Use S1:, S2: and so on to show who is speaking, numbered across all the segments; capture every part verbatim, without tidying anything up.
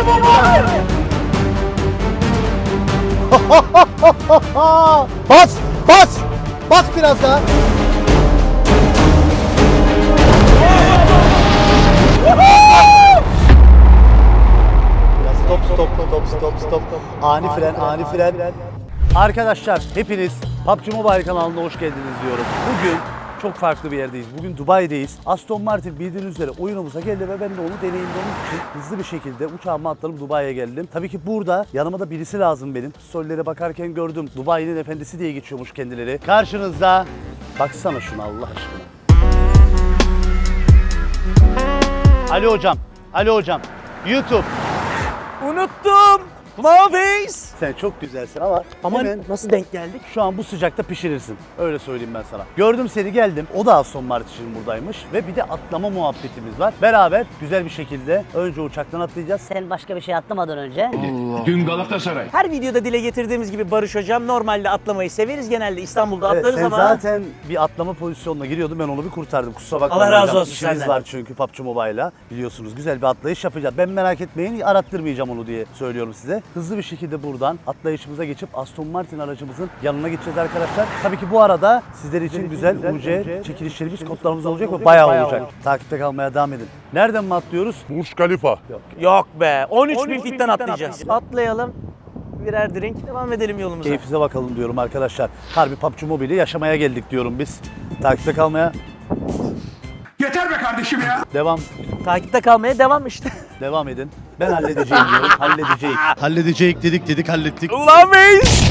S1: Bas! Bas! Bas biraz daha! Biraz stop stop stop stop stop. Ani fren, ani fren. Arkadaşlar hepiniz P U B G Mobile kanalına hoş geldiniz diyorum. Bugün çok farklı bir yerdeyiz. Bugün Dubai'deyiz. Aston Martin bildiğiniz üzere oyunumuza geldi ve ben de onu deneyimlemek için hızlı bir şekilde uçağıma atladım, Dubai'ye geldim. Tabii ki burada yanıma da birisi lazım benim. Storylere bakarken gördüm. Dubai'nin efendisi diye geçiyormuş kendileri. Karşınızda, baksana şuna Allah aşkına. Ali hocam, Ali hocam. YouTube.
S2: Unuttum. Flawface.
S1: Sen çok güzelsin ama
S2: Ama
S1: hemen
S2: nasıl denk geldik?
S1: şu an bu sıcakta pişirirsin. Öyle söyleyeyim ben sana. Gördüm seni, geldim. O da Aston Martin buradaymış ve bir de atlama muhabbetimiz var. Beraber güzel bir şekilde önce uçaktan atlayacağız.
S3: Sen başka bir şey atlamadan önce.
S4: Dün Galatasaray.
S2: Her videoda dile getirdiğimiz gibi Barış Hocam normalde atlamayı severiz. Genelde İstanbul'da
S1: Evet,
S2: atlarız
S1: sen
S2: ama...
S1: zaten bir atlama pozisyonuna giriyordun. Ben onu bir kurtardım. Kusura bakma.
S2: Allah razı
S1: hocam.
S2: olsun
S1: İşimiz
S2: senden.
S1: var çünkü P U B G Mobile'la. Biliyorsunuz güzel bir atlayış yapacağız. Ben merak etmeyin, arattırmayacağım onu diye söylüyorum size. Hızlı bir şekilde buradan atlayışımıza geçip Aston Martin aracımızın yanına gideceğiz arkadaşlar. Tabii ki bu arada sizler için güzel U C çekilişlerimiz, kodlarımız olacak ve bayağı olacak. Takipte kalmaya devam edin. Nereden mi atlıyoruz?
S4: Burj Khalifa.
S2: Yok be. on üç bin fitten atlayacağız. Atlayalım. Birer drink. Devam edelim yolumuza.
S1: Keyfinize bakalım diyorum arkadaşlar. Harbi P U B G Mobile'i yaşamaya geldik diyorum biz. Takipte kalmaya
S4: Yeter be kardeşim ya.
S1: devam.
S2: Takipte kalmaya devam işte.
S1: Devam edin. Ben halledeceğim diyorum. Halledeceğiz. Halledeceğiz dedik dedik hallettik.
S2: Flawface.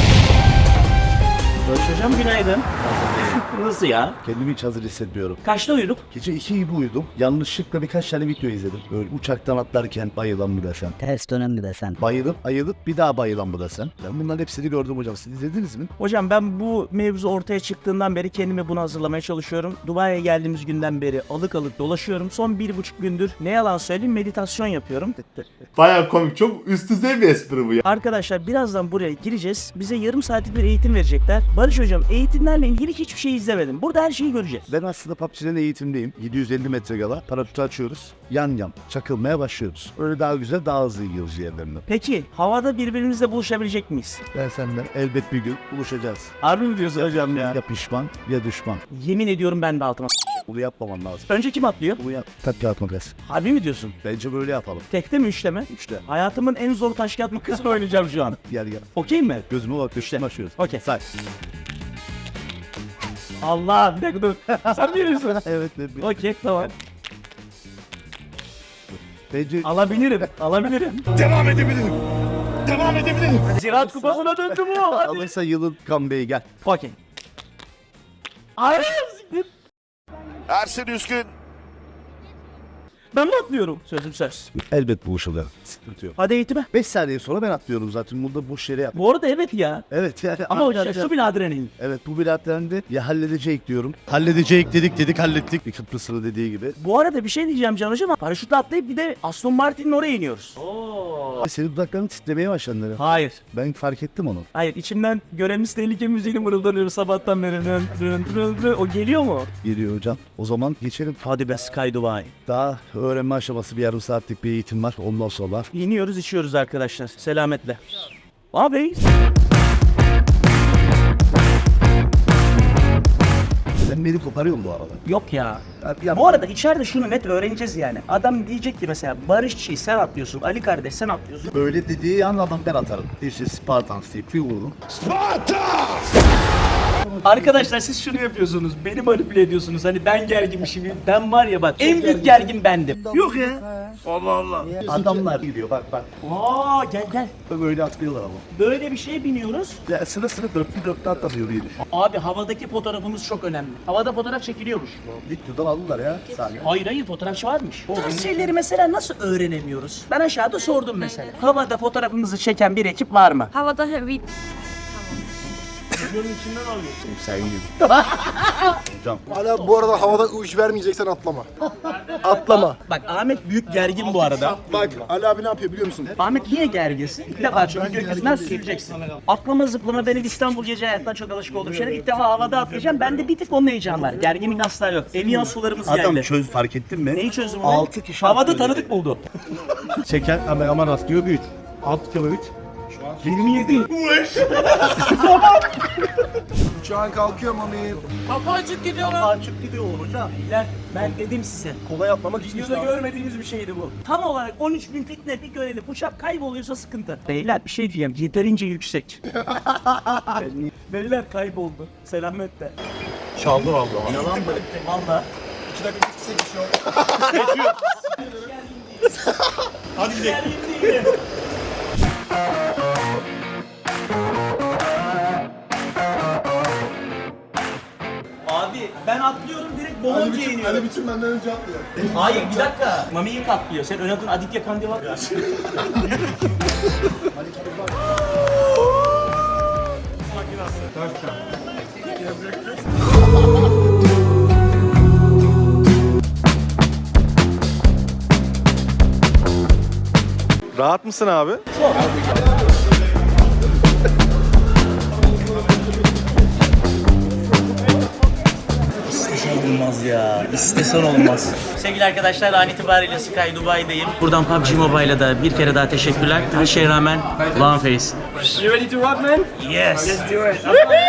S2: Barış Hocam günaydın. Nasıl ya?
S1: Kendimi hiç hazır hissetmiyorum.
S2: Kaçta uyuduk?
S1: Gece iki gibi uyudum. Yanlışlıkla birkaç tane video izledim. Böyle uçaktan atlarken bayılan mı desem.
S3: Ters dönem mi desen.
S1: Bayılıp ayılıp bir daha bayılan mı desem. Ben bunların hepsini gördüm hocam. Siz izlediniz mi?
S2: Hocam ben bu mevzu ortaya çıktığından beri kendimi buna hazırlamaya çalışıyorum. Dubai'ye geldiğimiz günden beri alık alık dolaşıyorum. Son bir buçuk gündür ne yalan söyleyeyim meditasyon yapıyorum.
S5: Bayağı komik. Çok üst düzey bir espri bu ya.
S2: Arkadaşlar birazdan buraya gireceğiz. Bize yarım saatlik bir eğitim verecekler. Barış Hocam eğitimlerle ilgili hiçbir şey izlemedim. Burada her şeyi göreceğiz.
S1: Ben aslında P U B G'den eğitimdeyim. yedi yüz elli metre gala. Paraşütü açıyoruz. Yan yan çakılmaya başlıyoruz. Öyle daha güzel, daha hızlı gidiyoruz yerlerine.
S2: Peki havada birbirimizle buluşabilecek miyiz?
S1: Ben senden elbet bir gün buluşacağız.
S2: Harbi mi diyorsun hocam ya?
S1: Ya pişman ya düşman.
S2: Yemin ediyorum ben de altıma.
S1: Bunu yapmaman lazım.
S2: Önce kim atlıyor?
S1: Bunu yap. Taş kağıt makas.
S2: Harbi mi diyorsun?
S1: Bence böyle yapalım.
S2: Tekte mi üçte mi?
S1: Üçte.
S2: Hayatımın en zor taş kağıt makasını oynayacağım şu an.
S1: Gel gel.
S2: Okey mi?
S1: Gözüme bak. Üçte başlıyoruz.
S2: Okey.
S1: Say.
S2: Allah bir dakika dur. Sen biliyorsun.
S1: Evet. evet.
S2: Okey tamam.
S1: Bence
S2: Alabilirim. Alabilirim.
S4: Devam edebilirim. Devam edebilirim.
S2: Ziraat kupasına döndü bu. Hadi.
S1: alırsa yılın comeback'i gel.
S2: Okey. Ay siktir.
S4: Ersin Üskün.
S2: Ben mi atlıyorum? Sözüm söz.
S1: Elbet buluşalım. Sıkıntı yok.
S2: Hadi eğitime.
S1: beş saniye sonra ben atlıyorum zaten. Bunu da boş yere yap.
S2: Bu arada evet ya.
S1: Evet yani.
S2: Ama hocam
S1: arkadaşlar-
S2: şu bile adrenalin.
S1: Evet bu bilatlendi. Ya halledecek diyorum. Halledecek dedik dedik hallettik. Bir Kıbrıs'ın dediği gibi.
S2: Bu arada bir şey diyeceğim Can Hocam. Paraşütle atlayıp bir de Aston Martin'in oraya iniyoruz.
S1: Senin dudakların titremeye başladı.
S2: Hayır.
S1: Ben fark ettim onu.
S2: Hayır içimden görevimiz tehlike müziğini mırıldanıyor sabahtan beri. Rın, rın, rın, rın. O geliyor mu?
S1: Geliyor hocam. O zaman geçelim.
S2: Hadi be Sky Dubai.
S1: Daha öğrenme aşaması bir yarım saatlik bir eğitim var. Ondan sonra.
S2: İniyoruz içiyoruz arkadaşlar. Selametle. Abi.
S1: Sen beni koparıyorsun bu arada.
S2: Yok ya.
S1: Ya,
S2: Bu arada içeride şunu net öğreneceğiz yani. Adam diyecek ki mesela Barışçı sen atlıyorsun, Ali kardeş sen atlıyorsun.
S1: böyle dediği an adam ben atarım. This is Spartans deyip bir vururum.
S2: Arkadaşlar siz şunu yapıyorsunuz. Beni manipüle ediyorsunuz. Hani ben gerginmişim. Ben var ya bak en büyük gergin bendim. Yok ya.
S4: Allah Allah.
S1: Adamlar gidiyor bak bak.
S2: Aa gel gel.
S1: Böyle atlıyorlar ama.
S2: Böyle bir şeye biniyoruz.
S1: Ya sıra sıra dörtlü dörtlü atlamıyor diye düşün.
S2: Abi havadaki fotoğrafımız çok önemli. Havada fotoğraf çekiliyormuş.
S1: Videodan aldılar ya. Saniye.
S2: Hayır hayır fotoğrafçı varmış. Bu tarz şeyleri mesela nasıl öğrenemiyoruz? Ben aşağıda sordum mesela. Havada fotoğrafımızı çeken bir ekip var mı?
S6: Havada heavy.
S2: Videonun içinden alıyorsun.
S5: Sen gibi.
S6: Hala bu arada havada uç vermeyeceksen atlama. Atlama.
S2: Bak Ahmet büyük gergin bu arada.
S6: Bak Ali abi ne yapıyor biliyor musun?
S2: Ahmet niye gerginsin? Bir defa çünkü gökyüzünden süreceksin. Atlama zıplama benim İstanbul gece hayatından çok alışık olduğum şeyler. İlk defa havada atlayacağım. Bende bir tık onun heyecanı var. Gerginlik asla yok. Eviyan sularımız
S1: Adam
S2: geldi.
S1: çöz fark ettin mi?
S2: Neyi çözdüm?
S1: Altı kişi
S2: Havada
S1: atlıyor.
S2: tanıdık buldu.
S6: Çeker ama aman atlıyor bir üç. Alt kilo üç.
S2: yirmi yedi.
S6: Uçağın kalkıyor mami.
S2: Kapı açık gidiyor lan. Açık gidiyor hocam. Beyler ben dedim size.
S6: Kolay atlamak için.
S2: Videoda görmediğimiz bir şeydi bu. Tam olarak on üç bin fitne bir görelim. Uçak kayboluyorsa sıkıntı. Beyler bir şey diyeyim. Yeterince yüksek. Beyler kayboldu. Selametle.
S6: Çaldı vallahi.
S2: Yalan mı? Valla.
S6: İki dakika geçse geçiyor.
S2: Hadi gidelim. Abi ben atlıyorum direkt Bomonti'ye iniyorum.
S6: Ali bütün benden önce atlıyor.
S2: Hayır bir dakika. Mami ilk atlıyor. Sen ön adın Aditya Kandil var.
S7: Rahat mısın abi?
S2: İstesen olmaz ya. İstesen olmaz. Sevgili arkadaşlar an itibariyle Sky Dubai'deyim. Buradan P U B G Mobile'a da bir kere daha teşekkürler. Her şeye rağmen Long Face.
S8: You ready to rock, man?
S2: Yes.
S8: Let's do it.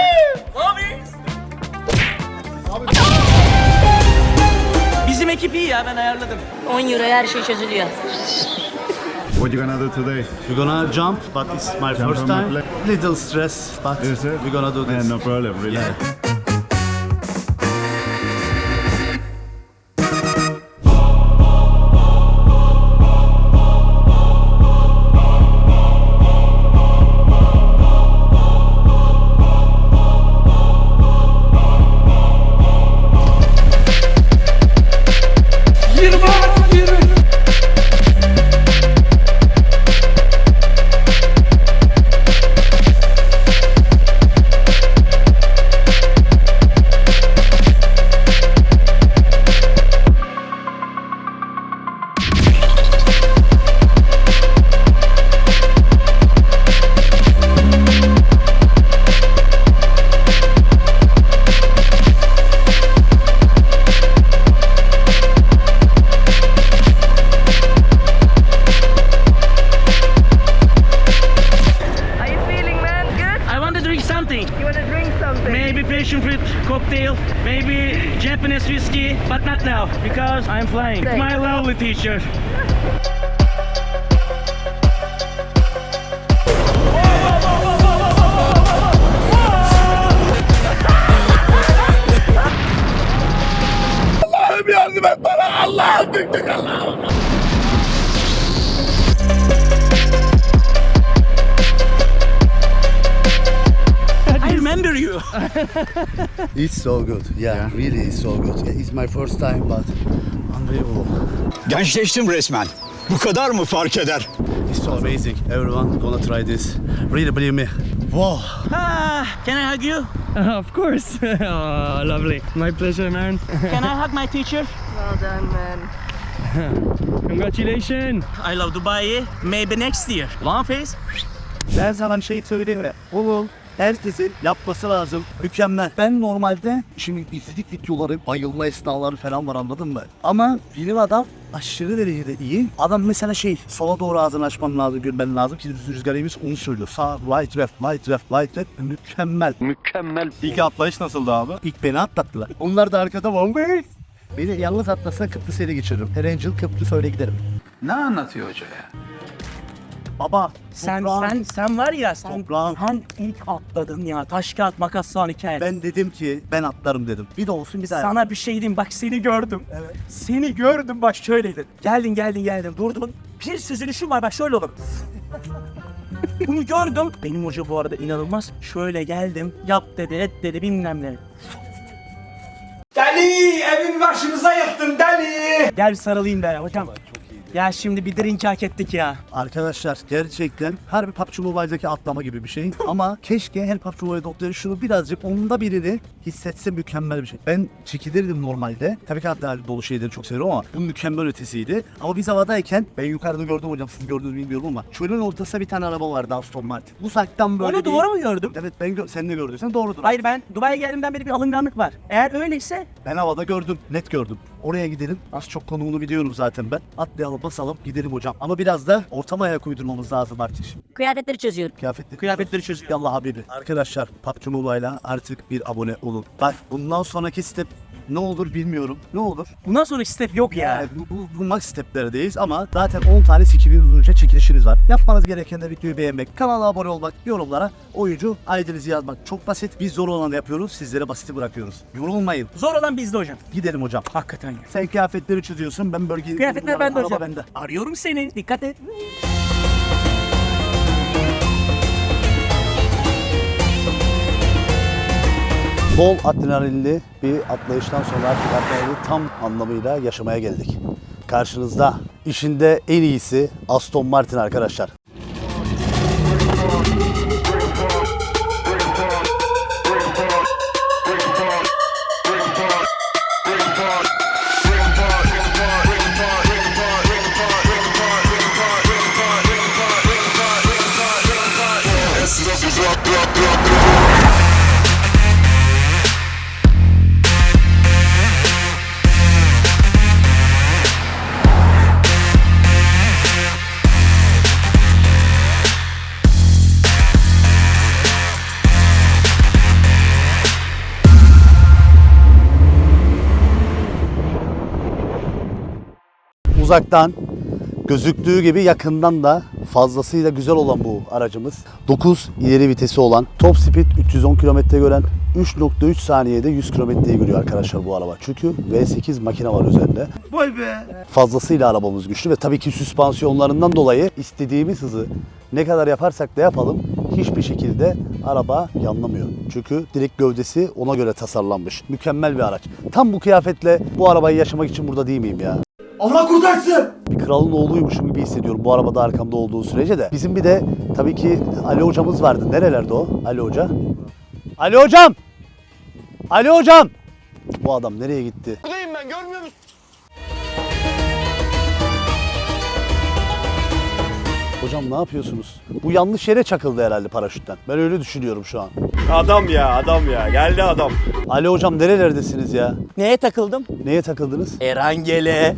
S2: Bizim ekip iyi ya ben ayarladım.
S9: on euroya her şey çözülüyor.
S5: What you gonna do today?
S1: We're gonna jump, but it's my
S5: Jump
S1: first
S5: from
S1: time.
S5: my plane.
S1: Little stress, but
S5: Is it?
S1: we're gonna do this.
S5: Yeah, no problem, really.
S1: Yeah.
S9: Are you feeling, man? Good?
S2: I want to drink something.
S9: You want to drink something?
S2: Maybe passion fruit cocktail, maybe Japanese whiskey, but not now because I'm flying.
S9: Thanks.
S2: My lovely teacher.
S4: Allah'ım yardım et bana. Allah'ım büktük Allah'ım.
S2: I remember you.
S1: It's so good. Yeah, really it's so good. It's my first time, but unbelievable.
S10: Gençleştim resmen. Bu kadar mı fark eder?
S1: It's so amazing. Everyone gonna try this. Really believe me. Wow.
S2: Ah, can I hug you?
S8: Of course. Oh, lovely. My pleasure, man.
S2: Can I hug my teacher?
S9: Well done, man.
S8: Congratulations.
S2: I love Dubai. Maybe next year. Long face.
S1: Ben sana bir şey söyleyeyim mi? Oğlum herkesin yapması lazım. Mükemmel. Ben normalde şimdi izledik videoları, bayılma esnaları falan var anladın mı? Ama bilim adam aşırı derecede iyi. Adam mesela şey, sola doğru ağzını açman lazım, görmen lazım ki rüzgarımız onu söylüyor. Sağ, right, left, right, left, right, left. Mükemmel.
S7: Mükemmel.
S1: İlk atlayış nasıldı abi? İlk beni atlattılar. Onlar da arkada var. Beni yalnız atlasına Kıbrıs ele geçiririm. Her Angel Kıbrıs öyle giderim.
S7: Ne anlatıyor hoca ya?
S1: Baba,
S2: Sen
S1: toprağın-
S2: sen sen var ya sen
S1: Toprağın-
S2: sen ilk atladın ya. Taş kağıt makas son hikaye.
S1: Ben dedim ki ben atlarım dedim. Bir de olsun bir daha.
S2: Sana bir şey diyeyim bak seni gördüm. Evet. Seni gördüm bak şöyleydin. Geldin geldin geldin durdun. Bir süzülüşün var bak şöyle olur. Bunu gördüm. Benim hoca bu arada inanılmaz. Şöyle geldim. Yap dedi et dedi bilmem ne.
S4: Deli evin başımıza yıktın deli.
S2: Gel bir sarılayım be hocam. Ya şimdi bir drink hak ettik ya.
S1: Arkadaşlar gerçekten her bir P U B G Mobile'daki atlama gibi bir şey. Ama keşke her P U B G Mobile doktoru şunu birazcık onda birini hissetse mükemmel bir şey. Ben çekilirdim normalde. Tabii ki adrenalin dolu şeyleri çok seviyorum ama bu mükemmel ötesiydi. Ama biz havadayken ben yukarıda gördüm hocam, siz gördünüz bilmiyorum ama çölün ortasında bir tane araba vardı, Aston Martin. Uzaktan böyle
S2: Onu
S1: bir-
S2: doğru mu gördüm?
S1: Evet ben gö- sen de gördüysen doğrudur.
S2: Hayır, ben Dubai'ye geldiğimden beri bir alınganlık var. Eğer öyleyse
S1: Ben havada gördüm, net gördüm. Oraya gidelim. Az çok konumunu biliyorum zaten ben. Atlayalım, basalım, gidelim hocam. Ama biraz da ortama ayak uydurmamız lazım artık.
S3: Kıyafetleri çözüyorum.
S1: Kıyafetleri,
S2: kıyafetleri çözüyor.
S1: Yallah habibi. Arkadaşlar P U B G Mobile'a artık bir abone olun. Bak bundan sonraki step ne olur bilmiyorum. Ne olur?
S2: Bundan sonraki step yok ya.
S1: Yani bu, bu, bu max steplerdeyiz ama zaten on tane skillimiz önce çekilişiniz var. Yapmanız gereken de videoyu beğenmek, kanala abone olmak, yorumlara oyuncu I D'nizi yazmak. Çok basit. Biz zor olanı yapıyoruz, sizlere basiti bırakıyoruz. Yorulmayın.
S2: Zor olan bizde hocam.
S1: Gidelim hocam.
S2: Hakikaten ya.
S1: Sen kıyafetleri çiziyorsun, ben bölgeyi...
S2: Kıyafetler bende
S1: Araba
S2: hocam.
S1: bende.
S2: Arıyorum seni. Dikkat et.
S1: Bol adrenalinli bir atlayıştan sonra artık adrenalini tam anlamıyla yaşamaya geldik. Karşınızda işinde en iyisi Aston Martin arkadaşlar. Uzaktan gözüktüğü gibi yakından da fazlasıyla güzel olan bu aracımız. dokuz ileri vitesi olan, top speed üç yüz on kilometre gören, üç nokta üç saniyede yüz kilometreyi görüyor arkadaşlar bu araba. Çünkü V sekiz makine var üzerinde.
S6: Vay be.
S1: Fazlasıyla arabamız güçlü ve tabii ki süspansiyonlarından dolayı istediğimiz hızı ne kadar yaparsak da yapalım hiçbir şekilde araba yanlamıyor. Çünkü direkt gövdesi ona göre tasarlanmış. Mükemmel bir araç. Tam bu kıyafetle bu arabayı yaşamak için burada değil miyim ya?
S6: Allah kurtarsın.
S1: Bir kralın oğluymuşum gibi hissediyorum bu arabada arkamda olduğu sürece de. Bizim bir de tabii ki Ali hocamız vardı. Nerelerde o? Ali hoca. Ali hocam! Ali hocam! Bu adam nereye gitti?
S6: Buradayım ben, görmüyor musun?
S1: Hocam ne yapıyorsunuz? Bu yanlış yere çakıldı herhalde paraşütten. Ben öyle düşünüyorum şu an.
S7: Adam ya adam ya geldi adam.
S1: Ali hocam nerelerdesiniz ya?
S2: Neye takıldım?
S1: Neye takıldınız?
S2: Erangele.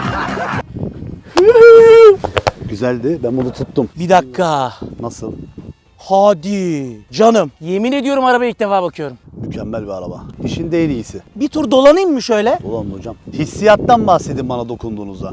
S1: Güzeldi. Ben bunu tuttum.
S2: Bir dakika.
S1: Nasıl?
S2: Hadi. Canım. Yemin ediyorum arabaya ilk defa bakıyorum.
S1: Mükemmel bir araba. İşinde en iyisi.
S2: Bir tur dolanayım mı şöyle?
S1: Ulan hocam. Hissiyattan bahsedin bana dokunduğunuzda.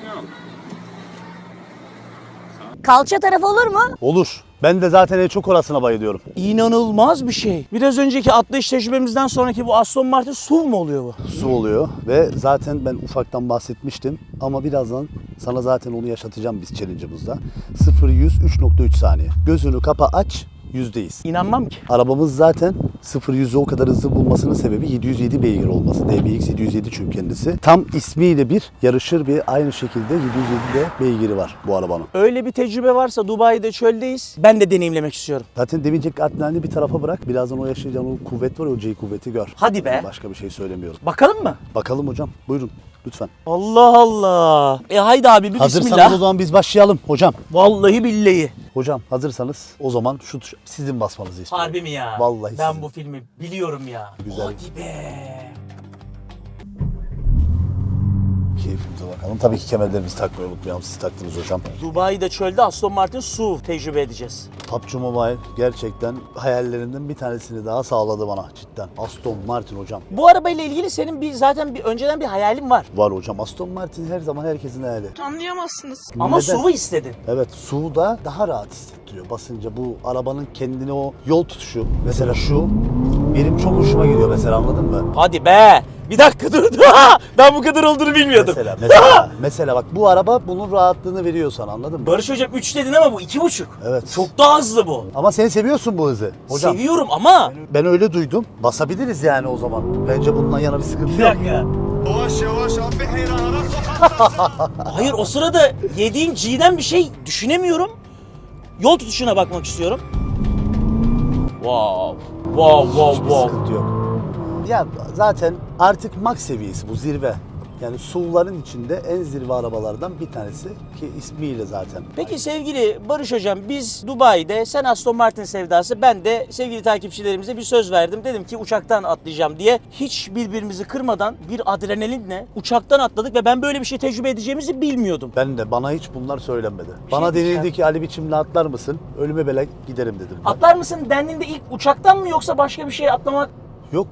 S3: Kalça tarafı olur mu?
S1: Olur. Ben de zaten en çok orasına bayılıyorum.
S2: İnanılmaz bir şey. Biraz önceki atlayış tecrübemizden sonraki bu Aston Martin S U V mu oluyor bu?
S1: Su oluyor ve zaten ben ufaktan bahsetmiştim ama birazdan sana zaten onu yaşatacağım biz challenge'ımızda. sıfır yüz üç nokta üç saniye. Gözünü kapa aç, yüzdeyiz.
S2: İnanmam ki.
S1: Arabamız zaten sıfır yüzü o kadar hızlı bulmasının sebebi yedi yüz yedi beygir olması. D B X yedi yüz yedi çünkü kendisi. Tam ismiyle bir yarışır bir aynı şekilde yedi yüz yedi de beygiri var bu arabanın.
S2: Öyle bir tecrübe varsa Dubai'de çöldeyiz. Ben de deneyimlemek istiyorum.
S1: Zaten demeyecek adrenalini bir tarafa bırak. Birazdan o yaşayacağın o kuvvet var ya, o G kuvveti gör.
S2: Hadi be.
S1: Başka bir şey söylemiyorum.
S2: Bakalım mı?
S1: Bakalım hocam. Buyurun lütfen.
S2: Allah Allah. E haydi abi bir
S1: Hazırsanız
S2: bismillah.
S1: o zaman biz başlayalım hocam.
S2: Vallahi billahi.
S1: Hocam hazırsanız o zaman şu tuş- sizin basmanızı istiyorum.
S2: Harbi mi ya?
S1: Vallahi
S2: Ben
S1: sizin.
S2: bu filmi biliyorum ya.
S1: Güzel.
S2: Hadi be.
S1: Keyfimize bakalım. Tabii ki kemerlerimizi takmayı unutmayalım. Siz taktınız hocam.
S2: Dubai'de çölde Aston Martin S U V tecrübe edeceğiz.
S1: P U B G Mobile gerçekten hayallerinden bir tanesini daha sağladı bana cidden. Aston Martin hocam.
S2: Bu arabayla ilgili senin bir zaten bir önceden bir hayalin var.
S1: Var hocam. Aston Martin her zaman herkesin hayali.
S9: Anlayamazsınız.
S2: Ama
S1: Neden?
S2: S U V istedin.
S1: Evet, suda daha rahat hissettiriyor basınca. Bu arabanın kendine o yol tutuşu. Mesela şu benim çok hoşuma gidiyor mesela, anladın mı?
S2: Hadi be. Bir dakika dur. Ben bu kadar olduğunu bilmiyordum.
S1: Mesela mesela mesela bak bu araba bunun rahatlığını veriyor sana, anladın mı?
S2: Barış hocam üç dedin ama bu iki buçuk.
S1: Evet.
S2: Çok daha hızlı bu.
S1: Ama sen seviyorsun bu hızı. Hocam
S2: Seviyorum ama.
S1: ben öyle duydum. Basabiliriz yani o zaman. Bence bundan yana bir sıkıntı
S2: Bir
S1: yok.
S2: dakika.
S6: Yavaş yavaş abi, hayran ara sokak.
S2: Hayır o sırada yediğim G'den bir şey düşünemiyorum. Yol tutuşuna bakmak istiyorum. Wow. Wow, wow,
S1: Hiçbir
S2: wow.
S1: sıkıntı yok. Ya zaten artık max seviyesi bu, zirve. Yani S U V'ların içinde en zirve arabalardan bir tanesi ki ismiyle zaten.
S2: Peki sevgili Barış Hocam, biz Dubai'de, sen Aston Martin sevdası, ben de sevgili takipçilerimize bir söz verdim. Dedim ki uçaktan atlayacağım diye. Hiç birbirimizi kırmadan bir adrenalinle uçaktan atladık ve ben böyle bir şey tecrübe edeceğimizi bilmiyordum.
S1: Ben de, bana hiç bunlar söylenmedi. Bana
S2: diyeceğim.
S1: denildi ki Ali biçimle atlar mısın? Ölüme belek giderim dedim. Ben.
S2: Atlar mısın dendiğinde ilk uçaktan mı yoksa başka bir şey atlamak?
S1: Yok.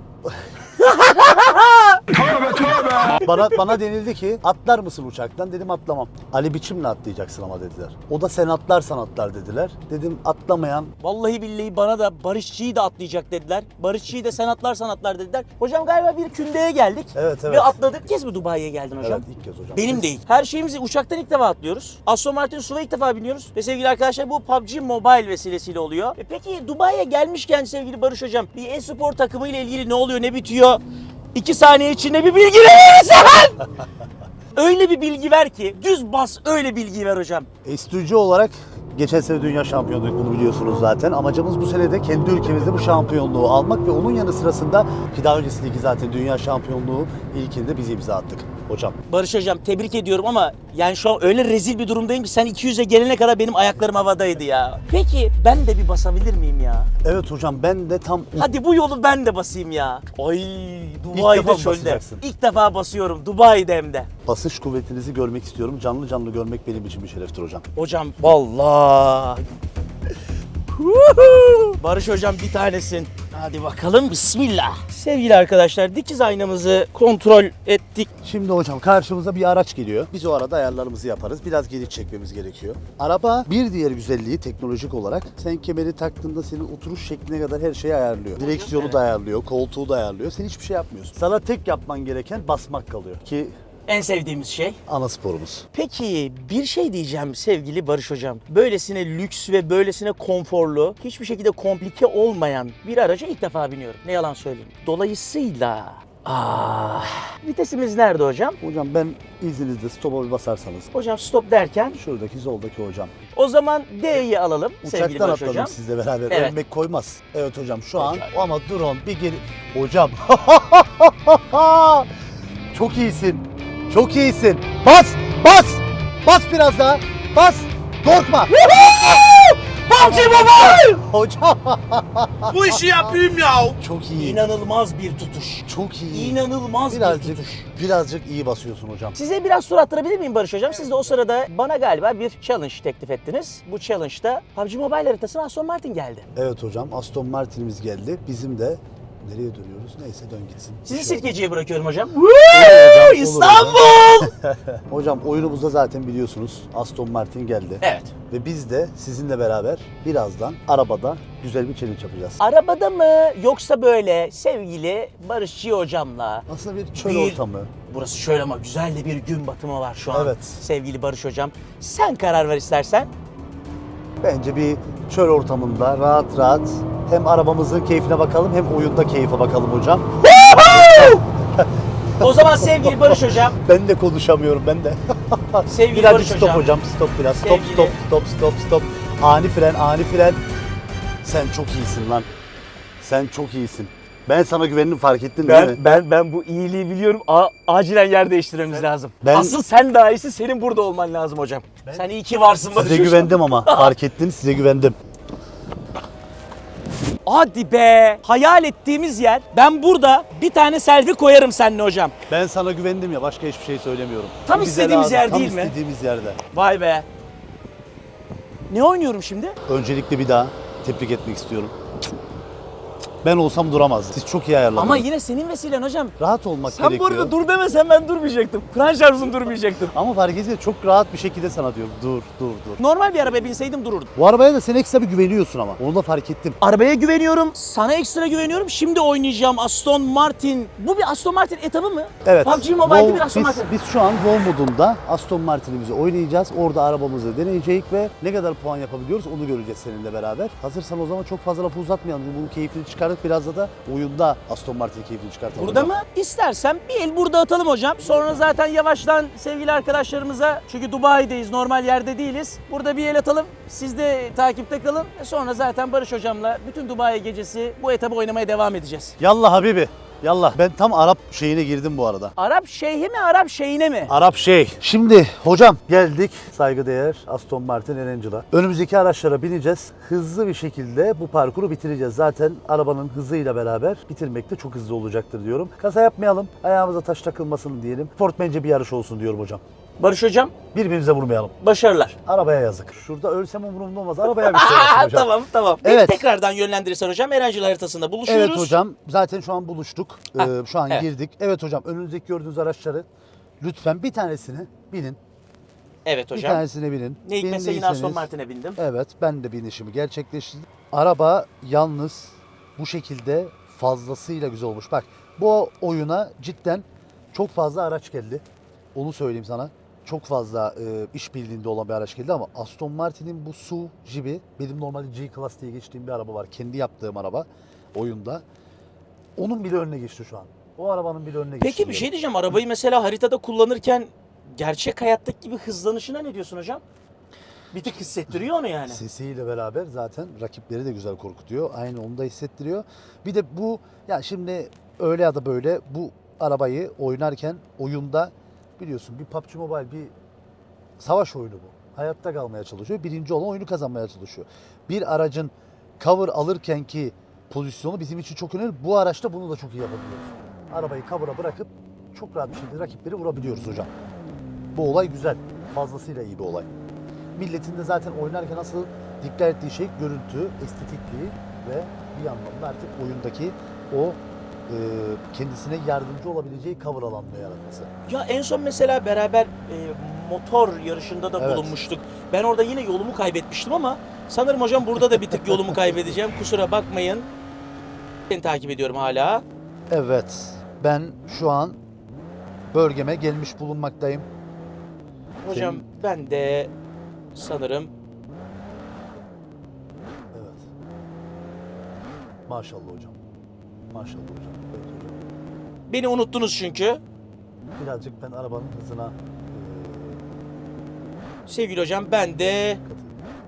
S1: bana bana denildi ki atlar mısın uçaktan? Dedim atlamam. Ali biçimle atlayacaksın ama dediler. O da sen atlarsan atlar dediler. Dedim atlamayan.
S2: Vallahi billahi bana da Barışçı'yı da atlayacak dediler. Barışçı'yı da sen atlarsan atlar dediler. Hocam galiba bir kündeye geldik.
S1: Evet, evet.
S2: Ve atladık. İlk kez mi Dubai'ye geldin hocam?
S1: Evet, ilk kez hocam.
S2: Benim
S1: Siz-
S2: değil. Her şeyimizi uçaktan ilk defa atlıyoruz. Aston Martin S U V'a ilk defa biniyoruz. Ve sevgili arkadaşlar bu P U B G Mobile vesilesiyle oluyor. E peki Dubai'ye gelmişken sevgili Barış Hocam bir e-spor takımı ile ilgili ne oluyor, ne bitiyor? İki saniye içinde bir bilgi verirsen! Öyle bir bilgi ver ki düz bas, öyle bilgi ver hocam.
S1: Estücü olarak geçen sene dünya şampiyonluğu, bunu biliyorsunuz zaten. Amacımız bu sene de kendi ülkemizde bu şampiyonluğu almak ve onun yanı sırasında ki daha öncesindeki zaten dünya şampiyonluğu ilkinde biz imza attık hocam.
S2: Barış Hocam tebrik ediyorum ama yani şu an öyle rezil bir durumdayım ki sen iki yüze gelene kadar benim ayaklarım havadaydı ya. Peki ben de bir basabilir miyim ya?
S1: Evet hocam, ben de tam
S2: Hadi bu yolu ben de basayım ya. Ay
S1: defa
S2: Dubai'de
S1: mı
S2: çölde.
S1: basacaksın?
S2: İlk defa basıyorum Dubai'de hem de.
S1: basış kuvvetinizi görmek istiyorum. Canlı canlı görmek benim için bir şereftir hocam.
S2: Hocam vallahi. Barış Hocam bir tanesin. Hadi bakalım bismillah. Sevgili arkadaşlar dikiz aynamızı kontrol ettik.
S1: Şimdi hocam karşımıza bir araç geliyor. Biz o arada ayarlarımızı yaparız. Biraz geri çekmemiz gerekiyor. Araba bir diğer güzelliği teknolojik olarak sen kemeri taktığında senin oturuş şekline kadar her şeyi ayarlıyor. Direksiyonu da ayarlıyor, koltuğu da ayarlıyor. Sen hiçbir şey yapmıyorsun. Sana tek yapman gereken basmak kalıyor. Ki
S2: En sevdiğimiz şey.
S1: ana sporumuz.
S2: Peki bir şey diyeceğim sevgili Barış Hocam. Böylesine lüks ve böylesine konforlu, hiçbir şekilde komplike olmayan bir araca ilk defa biniyorum. Ne yalan söyleyeyim. Dolayısıyla... Ah, vitesimiz nerede hocam?
S1: Hocam ben izninizle stop'a bir basarsanız.
S2: Hocam stop derken
S1: Şuradaki soldaki hocam.
S2: o zaman D'yi alalım sevgili
S1: Uçaktan
S2: Barış
S1: atladım
S2: Hocam.
S1: sizle beraber.
S2: Evet.
S1: Ölmek koymaz. Evet hocam şu an ama drone bir geri... Hocam. Çok iyisin. Çok iyisin. Bas! Bas! Bas biraz daha. Bas! Korkma.
S2: P U B G Mobile!
S1: Hocam.
S4: Bu işi yapayım ya.
S1: Çok iyi.
S2: İnanılmaz bir tutuş.
S1: Çok iyi.
S2: İnanılmaz bir
S1: Birazcık,
S2: tutuş.
S1: birazcık iyi basıyorsun hocam.
S2: Size biraz soru attırabilir miyim Barış Hocam? Siz de o sırada bana galiba bir challenge teklif ettiniz. Bu challenge'da P U B G Mobile haritasına Aston Martin geldi.
S1: Evet hocam, Aston Martin'imiz geldi. Bizim de nereye dönüyoruz? Neyse dön gitsin.
S2: Sizi
S1: Bir şey
S2: Sirkeci'ye bırakıyorum hocam.
S1: olur hocam.
S2: İstanbul!
S1: Hocam oyunumuzda zaten biliyorsunuz Aston Martin geldi.
S2: Evet.
S1: Ve biz de sizinle beraber birazdan arabada güzel bir challenge yapacağız.
S2: Arabada mı yoksa böyle sevgili Barışçı hocamla?
S1: Aslında bir çöl
S2: Bir-
S1: ortamı.
S2: Burası şöyle ama güzel de bir gün batımı var şu an.
S1: Evet.
S2: Sevgili Barış Hocam. Sen karar ver istersen.
S1: Bence bir çöl ortamında rahat rahat hem arabamızın keyfine bakalım hem oyunda keyfe bakalım hocam.
S2: O zaman sevgili Barış Hocam.
S1: Ben de konuşamıyorum ben de.
S2: Sevgili
S1: Birazcık
S2: Barış
S1: stop
S2: Hocam.
S1: hocam. Stop biraz. Stop
S2: Sevgili-
S1: stop stop stop stop. Ani fren ani fren. Sen çok iyisin lan. Sen çok iyisin. Ben sana güvendim, fark ettin değil mi?
S2: Ben ben ben bu iyiliği biliyorum. A- acilen yer değiştirmemiz lazım.
S1: ben-
S2: Asıl sen daha iyisi, senin burada olman lazım hocam. Sen iyi ki varsın Barış
S1: Size
S2: Hocam.
S1: güvendim ama fark ettin, size güvendim.
S2: Hadi be. Hayal ettiğimiz yer. Ben burada bir tane selfie koyarım seninle hocam.
S1: Ben sana güvendim ya, başka hiçbir şey söylemiyorum.
S2: Tam
S1: Bu bize
S2: istediğimiz
S1: lazım,
S2: yer
S1: tam
S2: değil mi?
S1: istediğimiz yerde.
S2: Vay be. Ne oynuyorum şimdi?
S1: Öncelikle bir daha tebrik etmek istiyorum. Ben olsam duramazdım. Siz çok iyi ayarladınız.
S2: Ama yine senin vesilen hocam.
S1: rahat olmak
S2: Sen bu
S1: gerekiyor.
S2: arada dur demesen ben durmayacaktım. Kur'an şarjım durmayacaktım.
S1: Ama fark ediyor, çok rahat bir şekilde sana diyorum. Dur, dur, dur.
S2: Normal bir arabaya binseydim dururdum.
S1: Bu arabaya da sen ekstra bir güveniyorsun ama. Onu da fark ettim.
S2: Arabaya güveniyorum, sana ekstra güveniyorum. Şimdi oynayacağım Aston Martin. Bu bir Aston Martin etabı mı?
S1: Evet.
S2: P U B G Mobile'de
S1: Vol-
S2: bir Aston
S1: biz,
S2: Martin.
S1: Biz şu an Vol modunda Aston Martin'imizi oynayacağız. Orada arabamızı deneyeceğiz ve ne kadar puan yapabiliyoruz onu göreceğiz seninle beraber. Hazırsan o zaman çok fazla lafı uzatmayalım. Bunun keyfini çıkaralım. çıkardık. Biraz da da oyunda Aston Martin keyfini çıkartalım.
S2: Burada
S1: hocam.
S2: mı? İstersen bir el burada atalım hocam. Sonra zaten yavaştan sevgili arkadaşlarımıza, çünkü Dubai'deyiz, normal yerde değiliz. Burada bir el atalım. Siz de takipte kalın. Sonra zaten Barış hocamla bütün Dubai gecesi bu etabı oynamaya devam edeceğiz.
S1: Yallah Habibi. Yallah. Ben tam Arap şeyine girdim bu arada.
S2: Arap şeyhi mi, Arap şeyine mi?
S1: Arap şey. Şimdi hocam geldik saygıdeğer Aston Martin Erangel'a. Önümüzdeki araçlara bineceğiz. Hızlı bir şekilde bu parkuru bitireceğiz. Zaten arabanın hızıyla beraber bitirmek de çok hızlı olacaktır diyorum. Kaza yapmayalım, ayağımıza taş takılmasın diyelim. Sportmence bir yarış olsun diyorum hocam.
S2: Barış hocam,
S1: Birbirimize vurmayalım.
S2: başarılar.
S1: Arabaya yazık. Şurada ölsem umurumda olmaz. Arabaya bir şey yapsın hocam.
S2: Tamam tamam.
S1: Evet.
S2: Evet. Tekrardan yönlendirirsen hocam Erencil haritasında buluşuyoruz.
S1: Evet hocam. Zaten şu an buluştuk.
S2: Ha,
S1: Ee, şu an
S2: evet.
S1: girdik. Evet hocam. Önünüzdeki gördüğünüz araçları lütfen bir tanesini binin.
S2: Evet
S1: Bir
S2: hocam.
S1: tanesine binin.
S2: Ne hikmetse yine Aston
S1: Bindiyseniz-
S2: Martin'e bindim.
S1: Evet, ben de binişimi gerçekleştirdim. Araba yalnız bu şekilde fazlasıyla güzel olmuş. Bak, bu oyuna cidden çok fazla araç geldi. Onu söyleyeyim sana. Çok fazla e, işbirliğinde olan bir araç geldi ama Aston Martin'in bu S U V Jeep'i, benim normalde G-Class diye geçtiğim bir araba var. Kendi yaptığım araba oyunda. Onun bile önüne geçti şu an. O arabanın bile önüne geçti.
S2: Peki bir şey diyeceğim. Arabayı mesela haritada kullanırken gerçek hayattaki gibi hızlanışına ne diyorsun hocam? Bir tık hissettiriyor onu yani.
S1: Sesiyle beraber zaten rakipleri de güzel korkutuyor. Aynı onu da hissettiriyor. Bir de bu, ya şimdi öyle ya da böyle bu arabayı oynarken oyunda biliyorsun bir P U B G Mobile bir savaş oyunu bu. Hayatta kalmaya çalışıyor. Birinci olan oyunu kazanmaya çalışıyor. Bir aracın cover alırken ki pozisyonu bizim için çok önemli. Bu araçta bunu da çok iyi yapabiliyoruz. Arabayı cover'a bırakıp çok rahat bir şekilde rakipleri vurabiliyoruz hocam. Bu olay güzel. Fazlasıyla iyi bir olay. Milletin de zaten oynarken asıl dikkat ettiği şey görüntü, estetikliği ve bir yandan da artık oyundaki o e, kendisine yardımcı olabileceği cover alanını yaratması.
S2: Ya en son mesela beraber e, motor yarışında da
S1: Evet.
S2: bulunmuştuk. Ben orada yine yolumu kaybetmiştim ama sanırım hocam burada da bir tık yolumu kaybedeceğim. Kusura bakmayın. Seni takip ediyorum hala.
S1: Evet, ben şu an bölgeme gelmiş bulunmaktayım.
S2: Hocam
S1: Senin-
S2: ben de sanırım
S1: Evet. Maşallah hocam. Maşallah hocam. Evet hocam.
S2: beni unuttunuz çünkü.
S1: Birazcık ben arabanın hızına e,
S2: Sevgili hocam ben de
S1: katıldım.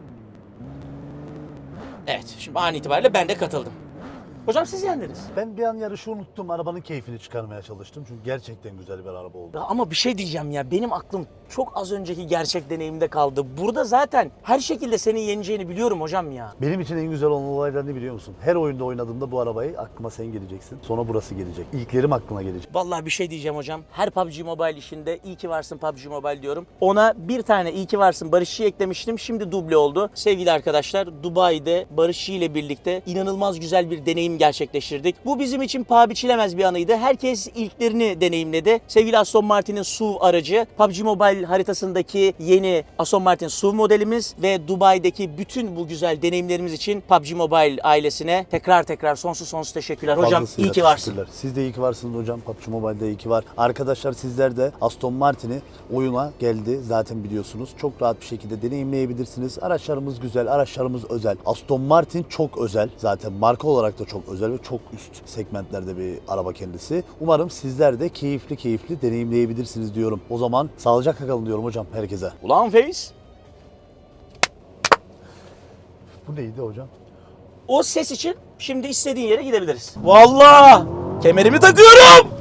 S2: evet şimdi an itibariyle ben de katıldım. Hocam siz yendiniz.
S1: Ben bir an yarışı unuttum. Arabanın keyfini çıkarmaya çalıştım. Çünkü gerçekten güzel bir araba oldu.
S2: Ya ama bir şey diyeceğim ya, benim aklım çok az önceki gerçek deneyimde kaldı. Burada zaten her şekilde senin yeneceğini biliyorum hocam ya.
S1: Benim için en güzel olan olaylar ne biliyor musun? Her oyunda oynadığımda bu arabayı aklıma sen geleceksin. Sonra burası gelecek. İlklerim aklıma gelecek.
S2: Vallahi bir şey diyeceğim hocam. Her P U B G Mobile işinde iyi ki varsın P U B G Mobile diyorum. Ona bir tane iyi ki varsın Barışçı'yı eklemiştim. Şimdi duble oldu. Sevgili arkadaşlar, Dubai'de Barışçı ile birlikte inanılmaz güzel bir deneyim gerçekleştirdik. Bu bizim için paha biçilemez bir anıydı. Herkes ilklerini deneyimledi. Sevgili Aston Martin'in S U V aracı, P U B G Mobile haritasındaki yeni Aston Martin S U V modelimiz ve Dubai'deki bütün bu güzel deneyimlerimiz için P U B G Mobile ailesine tekrar tekrar sonsuz sonsuz teşekkürler. Hocam
S1: Fazlasıyla
S2: iyi ki varsın.
S1: teşekkürler. Siz de iyi ki varsınız hocam. P U B G Mobile'de iyi ki var. Arkadaşlar sizler de Aston Martin'i oyuna geldi. Zaten biliyorsunuz. Çok rahat bir şekilde deneyimleyebilirsiniz. Araçlarımız güzel, araçlarımız özel. Aston Martin çok özel. Zaten marka olarak da çok özel ve çok üst segmentlerde bir araba kendisi. Umarım sizler de keyifli keyifli deneyimleyebilirsiniz diyorum. O zaman sağlıcakla kalın diyorum hocam herkese.
S2: Ulan Face.
S1: Bu neydi hocam?
S2: O ses için şimdi istediğin yere gidebiliriz. Vallahi kemerimi takıyorum.